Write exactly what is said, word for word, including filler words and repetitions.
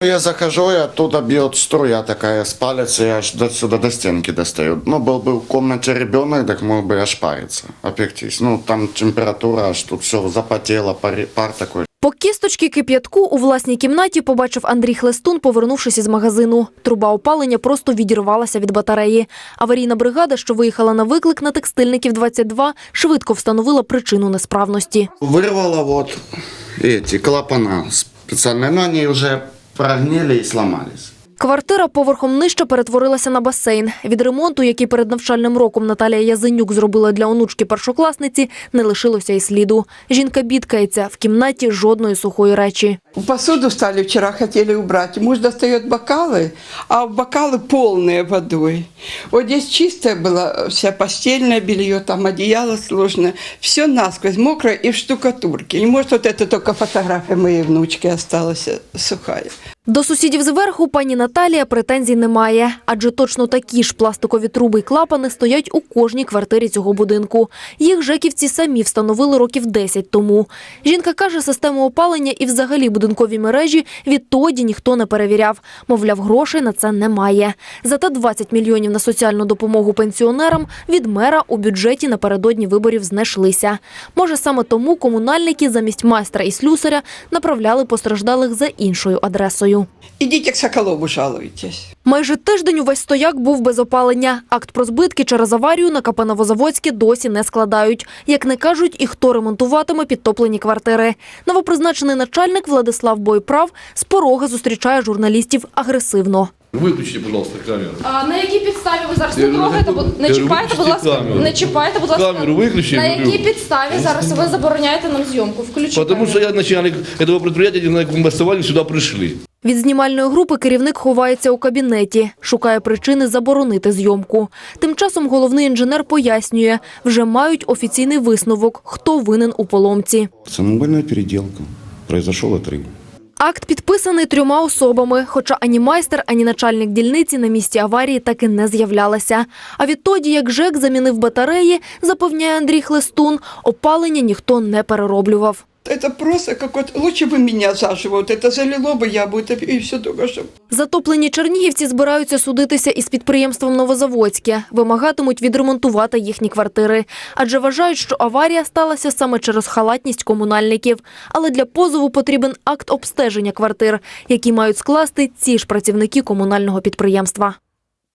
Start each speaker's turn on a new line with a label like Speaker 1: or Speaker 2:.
Speaker 1: Я захожу, и оттуда бьет струя такая с палец, и аж до сюда до стенки достаю. Ну, был бы в комнате ребенок, так мог бы аж париться, опектись. Ну, там температура, аж тут все запотело, пар, пар такой.
Speaker 2: По кісточки кип'ятку у власній кімнаті побачив Андрій Хлестун, повернувшись із магазину. Труба опалення просто відірвалася від батареї. Аварійна бригада, що виїхала на виклик на Текстильників двадцять два, швидко встановила причину несправності.
Speaker 1: Вырвало вот эти клапана специальные, но они уже прогнили и сломались.
Speaker 2: Квартира поверхом нижче перетворилася на басейн. Від ремонту, який перед навчальним роком Наталія Язенюк зробила для онучки-першокласниці, не лишилося й сліду. Жінка бідкається, в кімнаті жодної сухої речі.
Speaker 3: Посуду стали вчера, хотели убрать. Муж достает бокалы, а бокалы полные водой. Вот здесь чистое было, вся постельное белье, там одеяло сложное. Все насквозь мокрое и в штукатурке. И может вот это только фотография моей внучки осталась сухая.
Speaker 2: До сусідів зверху пані Наталія претензій немає, адже точно такі ж пластикові труби й клапани стоять у кожній квартирі цього будинку. Їх жеківці самі встановили років десять тому. Жінка каже, систему опалення і взагалі будинкові мережі відтоді ніхто не перевіряв. Мовляв, грошей на це немає. Зате двадцять мільйонів на соціальну допомогу пенсіонерам від мера у бюджеті напередодні виборів знайшлися. Може, саме тому комунальники замість майстра і слюсаря направляли постраждалих за іншою адресою.
Speaker 3: Идите к Соколову жалуйтесь.
Speaker 2: Майже тиждень увесь стояк був без опалення. Акт про збитки через аварію на ка пе «Новозаводське» досі не складають. Як не кажуть, і хто ремонтуватиме підтоплені квартири. Новопризначений начальник Владислав Бойправ з порога зустрічає журналістів агресивно.
Speaker 4: Виключите, будь ласка, камеру.
Speaker 5: А на якій підставі ви зараз не трогаєте? Не чіпайте, будь ласка, не чіпайте, будь ласка.
Speaker 4: Камеру виключи.
Speaker 5: На якій підставі зараз ви забороняєте нам зйомку? Включіть.
Speaker 4: Потому что я начальник этого предприятия, на каком основании сюда пришли.
Speaker 2: Від знімальної групи керівник ховається у кабінеті, шукає причини заборонити зйомку. Тим часом головний інженер пояснює, вже мають офіційний висновок, хто винен у поломці.
Speaker 1: Самовольная переделка. Произошел отрыв.
Speaker 2: Акт підписаний трьома особами, хоча ані майстер, ані начальник дільниці на місці аварії таки не з'являлися. А відтоді, як ЖЕК замінив батареї, запевняє Андрій Хлестун, опалення ніхто не перероблював.
Speaker 3: Это просто как вот, лучше бы меня заживо, вот это залило бы, я бы это и все только что.
Speaker 2: Затоплені чернігівці збираються судитися із підприємством «Новозаводське». Вимагатимуть відремонтувати їхні квартири. Адже вважають, що аварія сталася саме через халатність комунальників. Але для позову потрібен акт обстеження квартир, які мають скласти ці ж працівники комунального підприємства.